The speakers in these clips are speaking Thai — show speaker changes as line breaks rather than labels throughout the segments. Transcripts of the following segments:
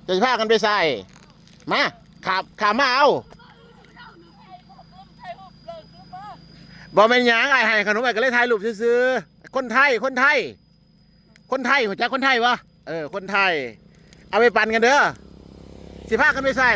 จะพากันไปใส่มาขามาเอาบอเป็นหยังไอ้ให้ขนมไอ้ก็เลยถ่ายรูปซื้อคนไทยหัวใจคนไทยวะคนไทยเอาไปปั่นกันเด้อสิพากันไปใส่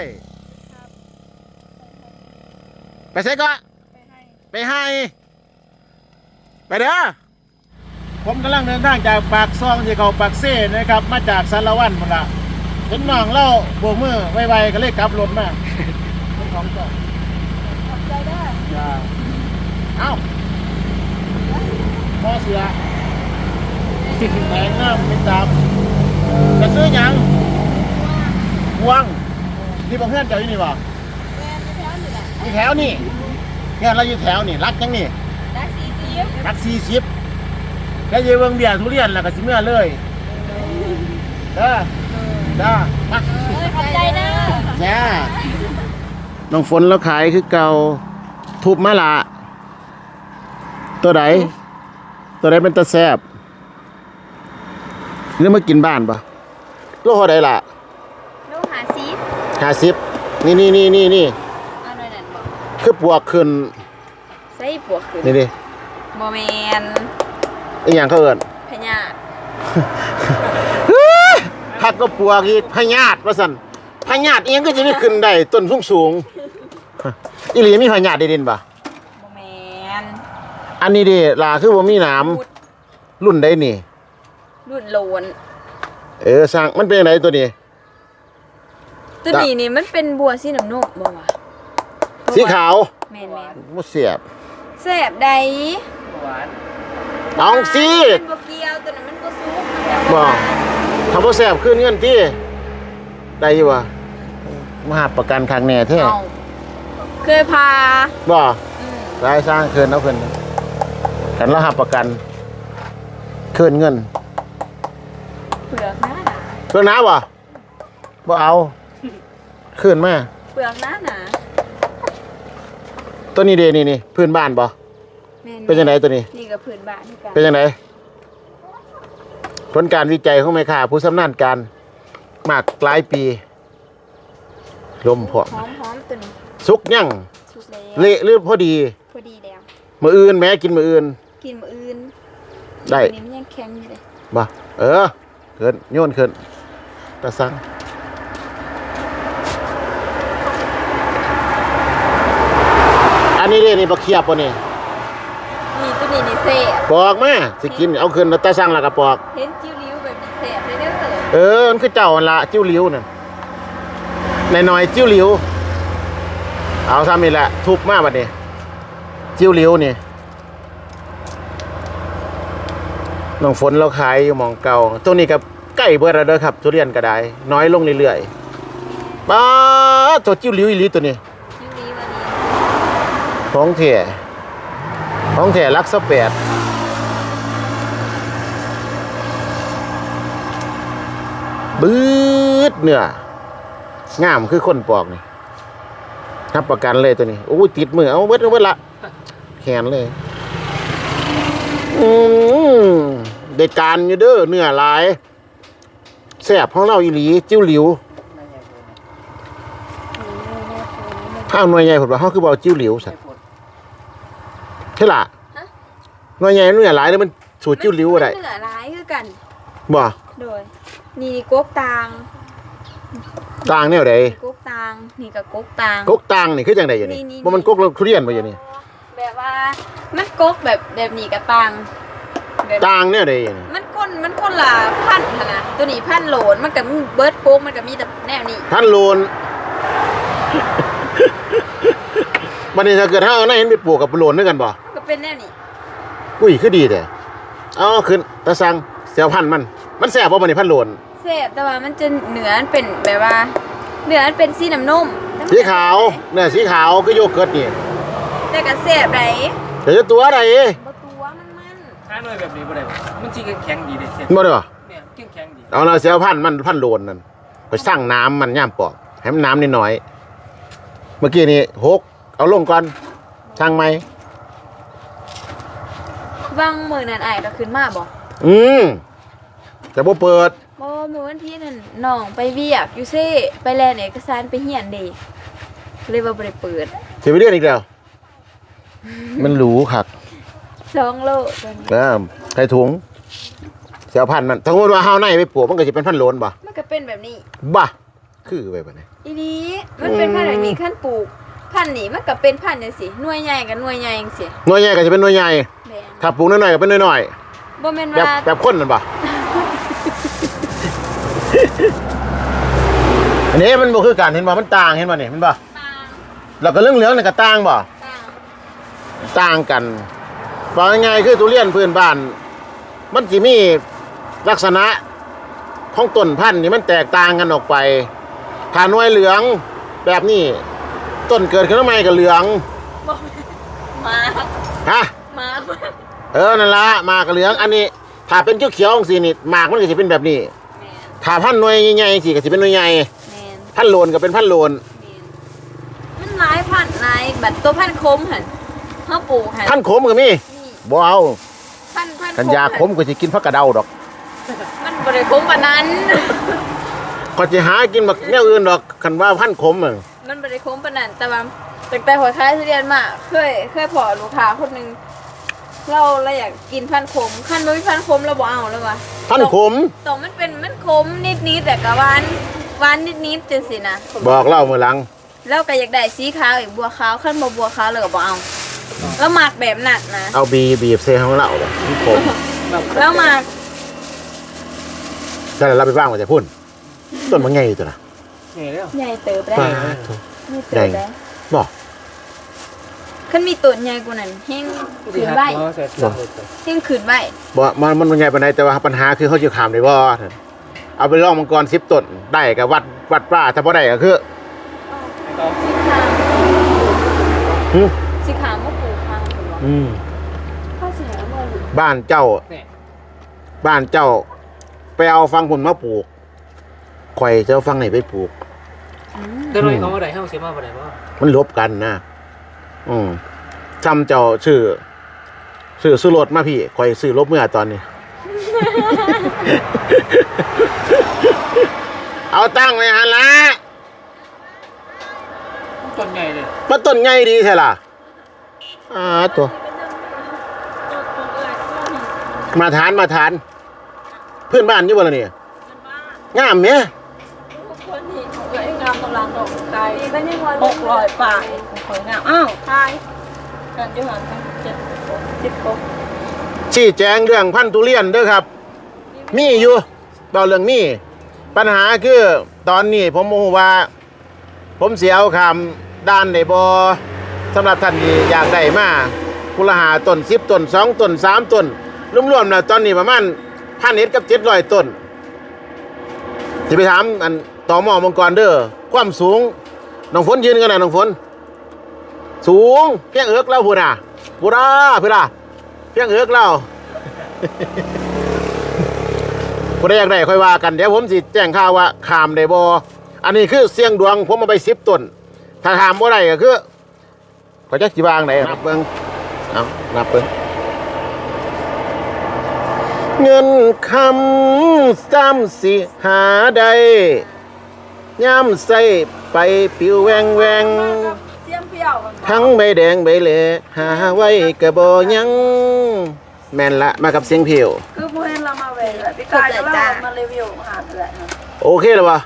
ไปใส่ก็ไปให้ไปเด้อผมกำลังเดินทางจากปากซองที่เขาปากเซ่นะครับมาจากสารวัตรหมดละเห็นน้องเล่าโบกมือไวๆก็เลยกลับรถมาเป็นของก่อนขอบใจเด้อเอ้าพอเสือแหงน้ำเป็นตามจะซื้อหยังวงนี่บอกเพื่อนเจ้าอยู่นี่บ่อยู่แถวนี่เพื่อนเราอยู่แถวนี่รักยังนี่รัก40แล้วเยเวิงเบียร์ทุเรียนแล้วก็สิเมื่อเลยเด้อมา
ขอบใจเด้อ
เนี่ยน้องฝนเราขายคือเก่าทุบมาละตัวไหนเป็นตะแซบเรื่องมากินบ้านปะโลเท่าไหร่ล่ะ
โล50
นี่
เอาหน่อยนั่นบ่
คือปวกขึ้น
ใส่ปวกขึ้น
นี่ดิ
บ่แม่น
อีหยังเขาเอิ้น
พญา
ผักก็ปวกอีกพญาติว่าซั่นพญาติเองก็จะได้ขึ้นได้ต้นสูงอีหลีมีพญาติได้ดินปะ
บ่แม่น
อันนี้ดิล่ะคือบ่มีหนามรุ่นใดนี่
รุ่นโลน
สร้างมันเป็นไงตัวนี้
นี่มันเป็นบัวสีน้ำนมบ่วะ
สีขาว
แม่น
บ่เสียบ
แซ่บใด
หวานเอาสิ
มันบ่เกี่ยวตัวนั้นมันบ่สุก
บ่ถ้าบ่แซ่บคืนเงินติได้อยู่บ่มาหาประกันข้างแน่แท้
เคยพา
บ่ได้สร้างคืนเอาคืนกันแล้วหาประกันคืนเงิน
เปลือกหน้า
เปลือกหนาบ่เอาคืนมา
เปลือกหน้าหนา
ตัวนี้เด้นี่พื้นบ้านบ่เป็นจังไดตัวนี้
นี่ก็พื้นบ้านกัน
เป็นจังไดผลการวิจัยของแม่ค้าผู้ชำนาญการมากหลายปีลมพอ
หอมตัวนี้
สุกยังเละหรือพอดี
แล้ว
มื้ออื่นแม่กินมื้ออื่นได้
นี่มันยังแข็งอยู่เลย
บ่เขินโยนเขินตะสังอันนี้นี่บักเขียบป่ะนี่
ตัวนี้เซ่
ปอกมาสิกินเอาขึ้นตะสังแล้วก็ปอก
เห็นจิ้วลิ้วแบบนี้เซ่เลยเด้
อมันคือเจ้าละจิ้วลิ้วนั่นหน่อยจิ้วลิ้วเอาซ้ำนี่แหละทุบมาบัดนี้จิ้วลิ้วนี่น้องฝนเราขายอยู่หม่องเก่าตรงนี้กับใกล้เบิดแล้วเด้อครับทุเรียนก็ได้น้อยลงเรื่อยๆป้าตัวจิ้วลิ้วอีหลีตัวนี้
จิ้วลิ้วอันนี้
ของแท้รักษา8บืดเนื้องามคือคนปอกนี่รับประกันเลยตัวนี้โอ้ยติดมือเอาเบิดละแขนเลยได้การอยู่เด้อเนื้อหลายแซ่บของเราอีหลีจิ้วหลิวข้าวหน่วยใหญ่ผลว่าเขาคือเอาจิ้วหลิวสัตว์ใช่ล่ะหน่วยใหญ่เนื้อหลายแล้วมันสูตรจิ้วหลิวอะไร
เนื้อหลายคือกัน
บ่
โดยนี่ก๊กตาง
เนี่ยใด
ก๊กตางนี่กับก๊กต
างนี่คือจังไดอยู่นี่บ่มันก๊กเราทุเรียนบ่อยู่นี่
แบบว่ามันก๊กแบบนี้กับตาง
เนี่ยใด
มันคนละพันธุ์นะตัวนี้พันโหลนมันกับเบิร์ดโก๊กมันกับมีแต่แนวนี้
พันโหลนบัดนี้ถ้าเกิดถ้าเอาหน้าเห็นไปปลูกกับโหลนด้วยกันบ่
ก็เป็นแนวนี้
อุ้ยคือดีแต่เอาขึ้นตะสังเสียวพันมันแซ่บบ่บัดนี้พันโหลน
แซ่บแต่ว่ามันจะเนื้อเป็นแบบว่าเนื้อเป็นสีน้ำนม
สีขาวเนื้อสีขาวก็โยเกิร์ตนี่
แต่ก็แซ่บได
แต่จะตัวอะไร
บ่ตัวมัน
ถ้าหน่อยแบบนี้บ่ได้มันสิแข็งดีเด้
บ่ได้บ่
เนี่ยแข็งดี
เอาน่ะเสียวพันโหลนนั่นไปสั่งน้ำมันย่ามปอกให้มันน้ำนิดหน่อยเมื่อกี้นี่6เอาลงก่อนสั่งไหม
วางมื้อนั้นอ้ายก็ขึ้นมาบ่
แต่บ่เปิด
บ่เมื่อวันที่นั่นน้องไปเวียกอยู่เซ่ไปแลนเอกสารไปเฮียนเด้เลยว่าบ่ได้เปิด
สิไปเรียนอีกแล้วมันหรูคัก
2 โลตอนนี้
ใส่ถุงเสียวพันธุ์มันสมมติว่าเฮาในไปปลูกมันก็สิเป็นพันธุ์โลนบ่
มันก็เป็นแบบนี้
บ่คือไปบ่ได้
อีนี้มันเป็นพันธุ์แบบนี้ขั้นปลูกพันธุ์นี้มันก็เป็นพันธุ์จังซี่หน่วยใหญ่กับหน่วยใหญ่จังซี่
หน่วยใหญ่ก็สิเป็นหน่วยใหญ่
แม่น
ถ้าปลูกน้อยๆก็เป็นน้อย
บ่แม่น
ๆแบบ
ว่า
แบบคนนั่นบ่ อันนี้มันบ่คือกันเห็นบ่มันต่างเห็นบ่นี่มันบ่
ต่าง
แล้วก็เรื่องเหลืองนี่ก็ต่างบ่
ต่าง
ต่างกันบอกง่ายๆคือทุเรียนพื้นบ้าน มันสิมีลักษณะของต้นพันธุ์นี่มันแตกต่างกันออกไปถ้าหน่วยเหลืองแบบนี้ต้นเกิดขึ้นมาใหม่ก็เหลือง
บ่มา
ฮะ
มา
นั่นละหมากก็เหลือง อันนี้ถ้าเป็นเขียวๆจังซี่นี่หมากมันก็สิเป็นแบบนี้
แม่น
ถ้าพันธุ์หน่วยใหญ่ๆสิก็สิเป็นหน่วยใหญ่
แม่น
พันธุ์โลนก็เป็นพันธุ์โลน
มันหลายพันธุ์หลายแบบตัวพันธุ์คมหั่นเฮาปลูกหั่น
พันธุ์ขมก็มี
นี่
บ่เอา
พันธุ์
กันยาขมก็สิกินผักกระเดาดอก
มันบ่ได้คมปานนั้น
ก็สิหากินบักแนวอื่นดอกคันว่าพันธุ์ขมอะ
มันบ่ได้คมปานนั้นแต่ว่าตั้งแต่หัวค้ายทุเรียนมาเคยพอลูกค้าคนหนึงเราอยากกินพันธุ์ขมคันบ่มีพันธุ์ขมเราบ่เอาแล้วว่ะ
พันธุ์ขม
ต้องมันขมนิดๆแต่ก็หวานนิดๆจังซี่นะ
บอกเล่ามื้อหลัง
แล้วก็อยากได้สีขาวอีกบัวขาวคันบ่บัวขาวเลยก็บ่เอาแล้วหมักแบบนั้นนะ
เอาบีบเซของเราแบบผม
แล้วหมัก
แต่เราไปบ้างมาจะพุ่นต้นมันไงตัวน่ะ
นี่แล้ว
ใหญ่เติบได้
ป้า
ใหญ่เติบได้
บอก
คันมีต้นใหญ่กว่านั้นแฮงขึ้นไว้แฮงขึ้นไว้
บอกมันไงปานใดแต่ว่าปัญหาคือเขาจะขามได้บ่เอาไปลองมังกร10ต้นได้ก็วัดป้าถ้าบ่ได้ก็คือ หึ
สีขาวมาปลูกข้างพุ่นบ่
อืม
ข้าวเสียบ่ลูก
บ้านเจ้า
นี่
บ้านเจ้า ไปเอาฟังผลมาปลูกข่อยจะเอาฟังไหนไปปลูก
ก็เลยเอาอะไรให้เอาเสียมาบ่ได้บ่
มันลบกันนะจำเจ้าชื่อซื้อรถมาพี่ข่อยซื้อรถเมื่อตอนนี้ เอาตั้งไว้หันละ
ต้นใหญ่เลย
มันต้นไงดีใช่ล่ะตัวมาทานเพื่อนบ้านอยู่บ่ล่ะเนี่ยงามเนี่ย
คนนี้เอ้ยงามกำลังดอกไก่ก็ยังว่า600ปลายข่อยงามอ้าวขายกันอยู่หั่น10 10
ชี้แจงเรื่องพันธุ์ทุเรียนเด้อครับ มีอยู่เบาเรื่องมีปัญหาคือตอนนี้ผมโมโหว่า ผมเสียเอาคำด้านได้บ่สำหรับท่านที่อยากได้มากุละหาต้น10ต้น2ต้น3ต้นรวมๆแล้วตอนนี้ประมาณ1,100กับ700ต้นสิไปถามอันต่อหม้อมังกรเด้อความสูงน้องฝนยืนกันนะน้องฝนสูงเพียงเอิกแล้วพูดน่ะพูดน่ะเพียงเอิกแล้ว ผู้ใดอยากได้ค่อยว่ากันเดี๋ยวผมสิแจ้งข่าวว่าขามได้บ่อันนี้คือเสียงดวงผมเอาไป10ต้นถ้าถามบ่ได้ก็คือก็จักสิวางไหนนับเบิ่งเอานับเบิ่งเงินคำซ้ำสิหาได้ย่ำใส่ไปปิวแวง
เสียมเพียวกัน
ทั้งใบแดงใบเหล่หาไว้กะบ่ยังแม่นละมากับเสียงเพียว
คือผู้เห็นเรามาเวรพี่กายก็เรามารีวิวหาแหละ
โอเคแล้ววะ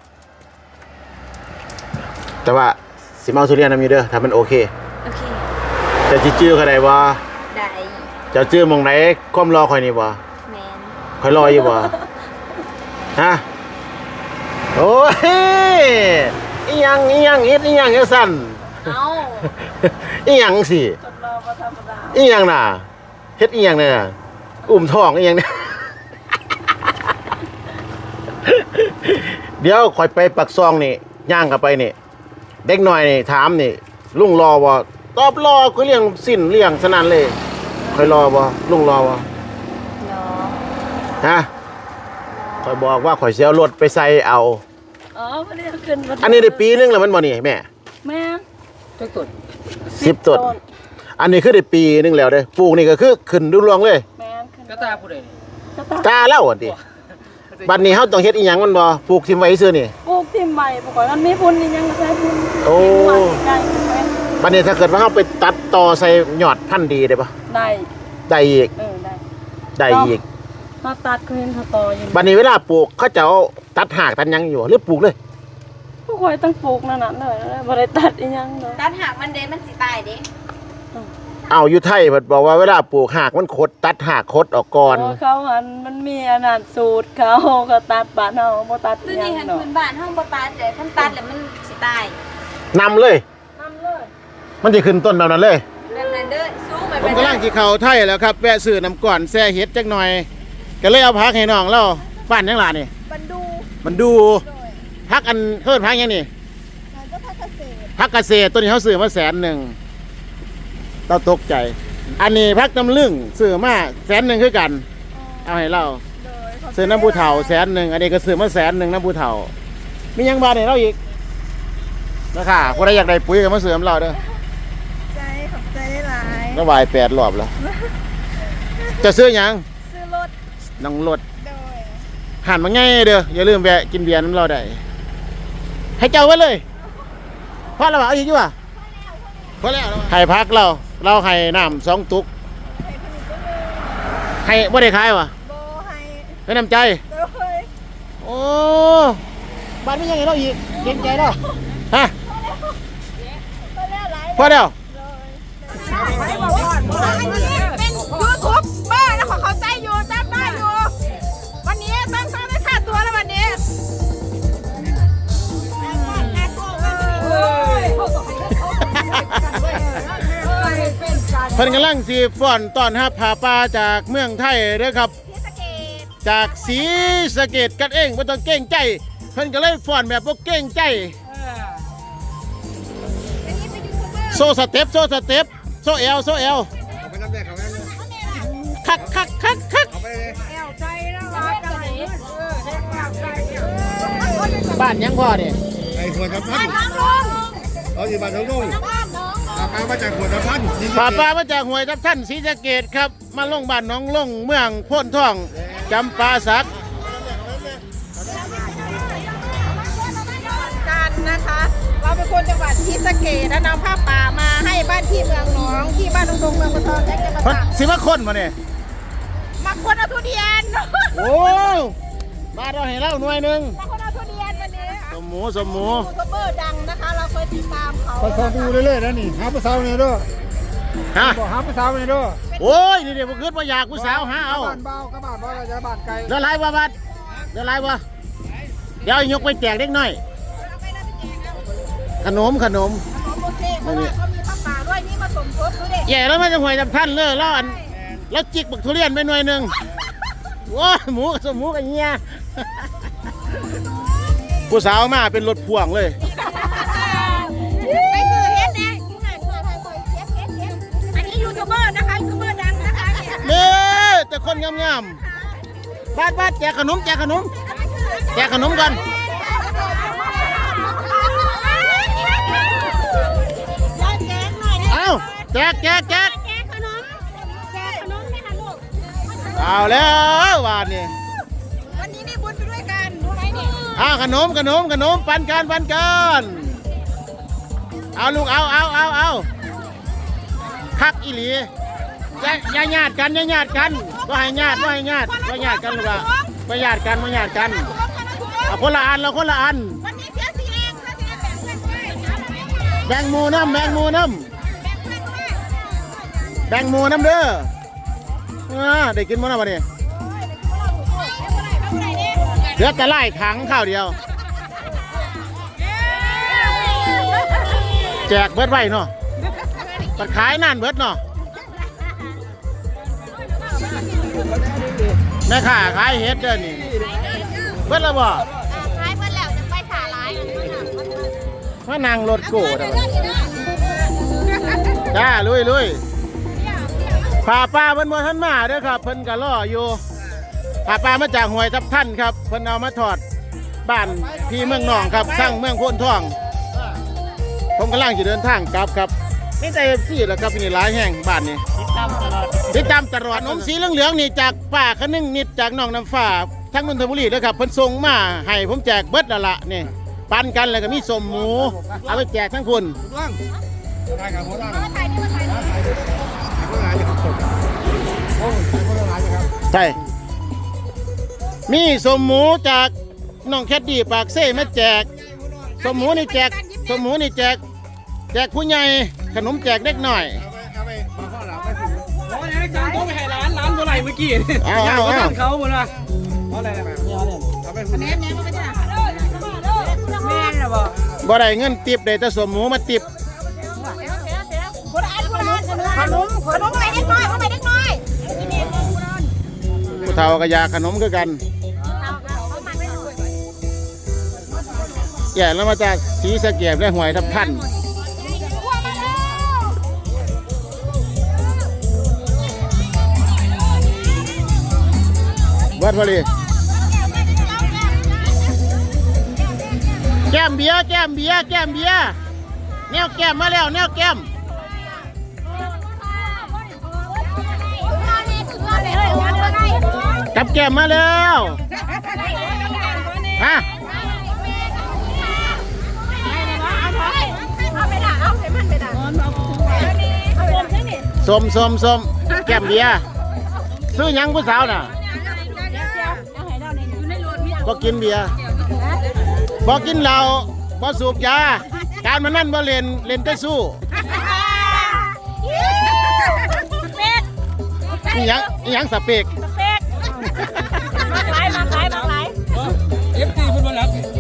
แต่ว่าสิมาเอาทุเรียนนำอยู่เด้อถ้ามันโอเค
โอเค
จะจิจื้อเขาได้บ่
ได้
จะจื้อหมองไหนความรอคอยนี่บ่
แมน
คอยรออยู่บ่ฮะโอ้ยอีหยังเฮ็ดอีหยังจังซั่น
เอา
อีหยังสิ
ทดลองมาธรรมดา
อีหยังน่ะเฮ็ดอีหยังเนี่ยอุ้มท้องอีหยังเนี่ย เดี๋ยวคอยไปปักซองนี่ย่างกลับไปนี่เด็กหน่อยนี่ถามนี่ลุงรอบ่ตอบรอคือเลี้ยงสิ้นเลี้ยงสนั่นเลยคอยรอบ่ลุงรอบ่
เนาะ
ฮะคอยบอกว่าคอยสิเอารถไปใส่เอา
อ๋อไม่ได้ขึ้นมา
อันนี้ได้ปีนึงแล้วมันบ่นี่แม่
แม่
จักต้น
10ต้นอันนี้คือได้ปีนึงแล้วเด้ปลูกนี่ก็คือขึ้นรุ่งเรืองเลย
แม่ขึ้น
กระตาผู้ใดนี่
ตาเล่าอันติบัดนี้เฮาต้องเฮ็ดอีหยังมันบ่ปลูกทิ่มไว้ซื่อนี่
ปลูกทิ่มใหม่ปลูกก่อนมันมีพุ่นนี่ยังก็ใช้พุ่น
โอ้
ใหญ่ไป
บัดนี้ถ้าเกิดว่าเฮาไปตัดต่อใส่ยอดพันธุ์ดีได้ปะ
ได้
ได้อีก
ได้
ได้อีก
เขาตัดเขาเห็นเขาต่ออยู่
บัดนี้เวลาปลูกเขาจะเอาตัดหากตัดหยังอยู่หรือปลูกเลย
ผู้คอยต้องปลูกนั่นน่ะเลยบ่ได้ตัดอีหยังเลย
ตัดหากมันเด้มันสิตายเด้
เอาอยู่ไทยเพิ่นบอกว่าเวลาปลูกหากมันคดตัดหากคดออกก่อน
โอ้เขาหันมันมีอันนั้นสูตรเขาก็ตัดบ้านเฮาบ่ตัด
คือ
อีหยั
นี่
ง
หัน
เนาะ
พื้นบ้านเฮาบ่ตัดเลยคันตัดแล้วมันสิตาย
นำเลย
นำเลย
มันจะขึ้นต้นแบบนั้นเลย
แบบนั้นเด้อสู้ไป
ผมกำลังกินข้าวไทยแล้วครับแวะซื้อน้ำก่อนแซ่เฮ็ดจักหน่อยก็เลยเอาพักให้น้องเราบ้านยังหลานนี่
บันดู
มันดูพักอันเพิ่นพักยังนี่
มันก็พักเกษตร
พักเกษตรตัวนี้เขาซื้อมา100,000เราตกใจ อันนี้พักน้ำลึงซื้อมา100,000คือกัน เอาให้เราซื้อน้ำผู้เฒ่า100,000อันนี้ก็ซื้อมา100,000น้ำผู้เฒ่า มีหยังบาทให้เราอีกนะคะคนใดอยากได้ปุ๋ยก็มาซื้อน้ำเราเด้อ
ใจขอบใจหลาย
ระบาย8 รอบแล้ว จะซื้อหยัง
ซื้อรถ
น้องรถ
โดย
หันมาง่ายเด้ออย่าลืมแวะกินเบียร์น้ำเราได้ให้เจ้าไว้เลยพอแล้วบ่เอาอีกอยู่ว่ะพอแล้วให้พักเราให้น้ำ2 ตุกให้บ่ได้ขายว่ะ
โบให้
ให้น้ำใจ
โดย
โอ้บ้านไม่ยังไงเราอีกเก่งใจเราฮะ
ก็แล้วหลาย
พอแล้ว
ไม่บอกว่าเป็นยูทูบเบอร์แล้วเขาใจอยู่จำได้อยู่วันนี้ต้องได้ค่าตัวแล้ววันนี้
เพิ่นกำลังสีฟ้อนต้อนรับผาป่าจากเมืองไทยเด้อครับ
ที่สะเกด
จากศรีสะเกษกันเองบ่ต้องเก่งใจ เพิ่นก็เลยฟ้อนแบบบ่เก่งใจ
อันนี้เป็นยูทูบเบอร์
โซสเต็ปโซเอล
เอาไปน้ำแดงเขาแม่เลย
คัก
เอาไปเลย
แอวใจนะว่าจะไหนแอวใจ
บ้านยังพ่อนี่
ไอ้ขวดน้ำพัน
น้องลง
เอาอยู่บ้านทั้งนุ่ง
น้อง
ปลามาจากขวดน้ำพัน
ผาป่ามาจากห้วยทับท่านศรีสะเกษครับมาลงบ้านหน้องลงเมืองโพ้นทองจำปาสัก
กันนะคะ เราเป็นคนจังหวัดที่สะเกดและนำผ้าป่ามาให้บ้านที่เมืองหนองที่บ้านดงเมืองปะทองแจ็คจะมา
เพิ่น
ตัก
สิมาคนมาเนี่ย
มาคนเอาทุเรียน
โอ้มาเราให้เล่าหน่วยหนึง
มาคนเอาทุเรียนวันนี้
สมหมู
ยูทูบเบอร์ดังนะคะ เราเคยติดตามเขา
เขาดูเรื่อยๆนะนี่หาภาษาเนี่ยด้วย
ฮะ
บอกหาภาษาเนี่ยด้วย
โอ้ยนี่เดี๋ยวผมขึ้นมาอยากผู้สาวหาเอา
บ้านเบากับบ้านเราจะบ้านไกล
เดี๋ยวไรบ่บัดเดี๋ยวไรบ่เดี๋ยวยกไปแจกเล็กน้อย ขนม
โอเคเพราะว่าเขามีผ้าป่าด้วยนี่มาสมทบดูดิ
แย่แล้วมันจะห่วยจำท่านเลยแล้วอันแล้วจิกบักทุเรียนไปหน่วยหนึ่งโอ้ยหมูกับสมหมูกับเงี้ยผู้สาวมาเป็นรถพ่วงเลย
ไปซื้อเฮ็ดแน่อันนี้ยูทูบเบอร์นะคะยูทูบเบอร์ดังนะคะ
เนี่ยแต่คนงามๆบัดแจกขนมกันเอาแจกเอาแล้วว่านี่
วันนี้ได้บุญไปด้วยกันรู้ไหมเนี่ย
เอาขนมปันกันเอาลูกเอาคักอีหลีอย่าญาติกันว่าให้ญาติกันลูกอ่ะไม่ญาติกันเอาคนละอัน
วันนี้เสียสีเองเสียสีแบ่งเพื่อนด้วย
แบ่งหมูน้ำเด้อได้กินมั้งนะวันนี้เหลือแต่ไล่ถังข้าวเดียวแจกเบิดไว้เนาะปัดขายนานเบิดเนาะแม่ค้าขายเฮ็ดเด้อนี่เบิดแล้วบ่
ท้ายเพื่อนแล้วจะไปขาร้าย
มานางรถโก้ได้บ่จ้าลุยพาป้าเพิ่นบ่ทันมาเด้อครับเพิ่นก็รออยู่พาป้ามาจากห้วยทับท่านครับเพิ่นเอามาทอดบ้านพี่เมืองหนองครับสร้างเมืองโพนทองผมกำลังจะเดินทางกลับครับนี่แต่ซี่แหละครับนี่หลายแห่งบ้านนี้ติดตามตลอดนมสีเหลืองๆนี่จากป้าคะนึงนิดจากน้องน้ำฟ้าทั้งนนทบุรีเด้อครับเพิ่นส่งมาให้ผมแจกเบิดแล้วล่ะนี่ปันกันแล้วก็มีสมหมูเอาไปแจกทั้งคุณ
ล่างได้กับหัวล่าง
ถ่ายนี่มาถ่ายนี่
หัวล่างจะครับโอ้ยหัวล่างจะครับ
ใช่มีสมหมูจากน้องแคดดี้ปากเซ่มาแจกสมหมูนี่แจกสมหมูนี่แจกผู้ใหญ่ขนมแจกเด็กหน่อย
เอาไปมาข้อหลังไปถึง
โอ้ยยังจังตัวไปให้ร้านเท่าไหร่เมื่อกี้
เอา
เขาหมดละเพราะอะไรนะ
เอาไปถึง
แม่มาไม่ได้แม่น่ะบ่
บ่ได้เงินติบได้แต่สมหมูมาติบ
ขนมไปเล็กน้อยขนมไปเล็กน้อย
ผู้เฒ่าก็อยากขนมคือกันแก่แล้วมาจากสีสะเกียบและหวยทับท่านวัดพอดีแก้มเบียร์แก้มเบียร์แก้มเบียร์แนวแก้มมาแล้วแนวแก้มกับแก้มมาแล้วฮะสมแก้มเบียร์ซื้อหยังผู้สาวน่ะบ่กินเบียร์บ่กินเหล้าบ่สูบยาการมันนั่นบ่เล่นแต่สู้อีหยังสเปก
มาขาย
เอฟซีเพิ่นบ่รับ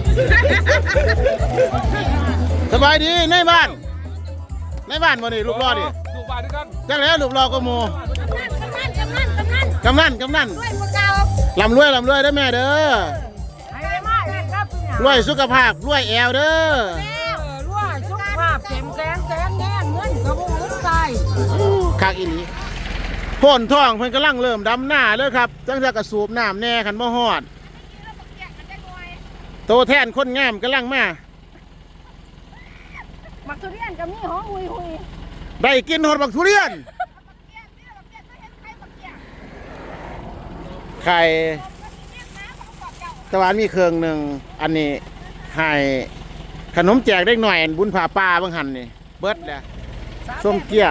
สบายดีในบ้านบ่นี่ลูกรอดิ
ดูบ้านด้วยกัน
จังแล้วลูกรอก็โมกำนันลำรวยเด้อแม่เด้อรวยสุขภาพรวยแอวเด้อคักอีหลีโพ่นท้องเพิ่นกำลังเริ่มดำหน้าเลยครับจังจะกระสูบน้ำแน่คันบ่ฮอดโตแทนคนงามกำลังมา
มักทุเรียนกับนี่หอมหุย
ได้กินหอดบักทุเรียนไข่ตะวันมีเครื่องหนึ่งอันนี้ให้ขนมแจกได้หน่อยบุญผ่าป่าบางหันนี่เบิดแล้วส้มเกี้ยง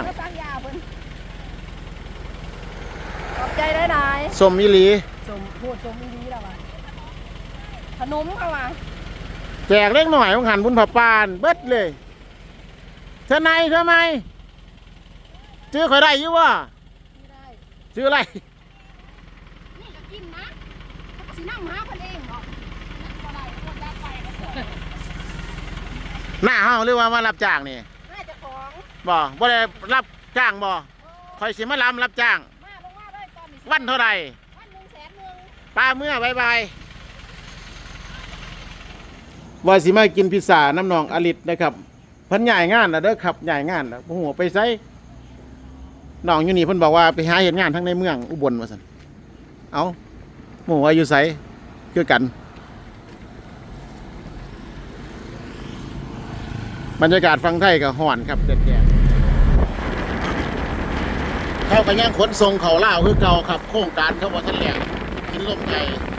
ขอบใจได้นาย
ส้มมิลี
สมพูดสมดีแล้วว่ะขนมเข้ามา
แจกเล็กหน่อยบางหันบุญผ่าป่าเบิดเลยทนายทำไมชื่อข่อยได้อยู่วะชื่ออะไร
นี่ก็กินนะสินั่งหาคนเองบอก
หน้าเฮาหรือว่ามารับจ้างนี่
น่าจะของ
บ่ได้รับจ้างบ่คอยสิมารับจ้าง
มาลงมาเลยตอนนี้
วันเท่าไหร่
วัน100,000
ป้าเมื่อบายว่าสิมากินพิซซ่าน้ำนองอลิตนะครับเพิ่นใหญ่งานแล้วเด้อครับใหญ่งานแล้วบ่ฮู้ว่าไปไสน้องอยู่นี่เพิ่นบอกว่าไปหาเฮ็ดงานทั้งในเมืองอุบลว่าซั่นเอ้าหมู่ว่าอยู่ไสคือกันบรรยากาศฟังไทยก็ฮ้อนครับแดดๆเขาก็ยังขนส่งเขาลาวคือเก่าครับโครงการเขาบ่ทันแล้วกินลมใหญ่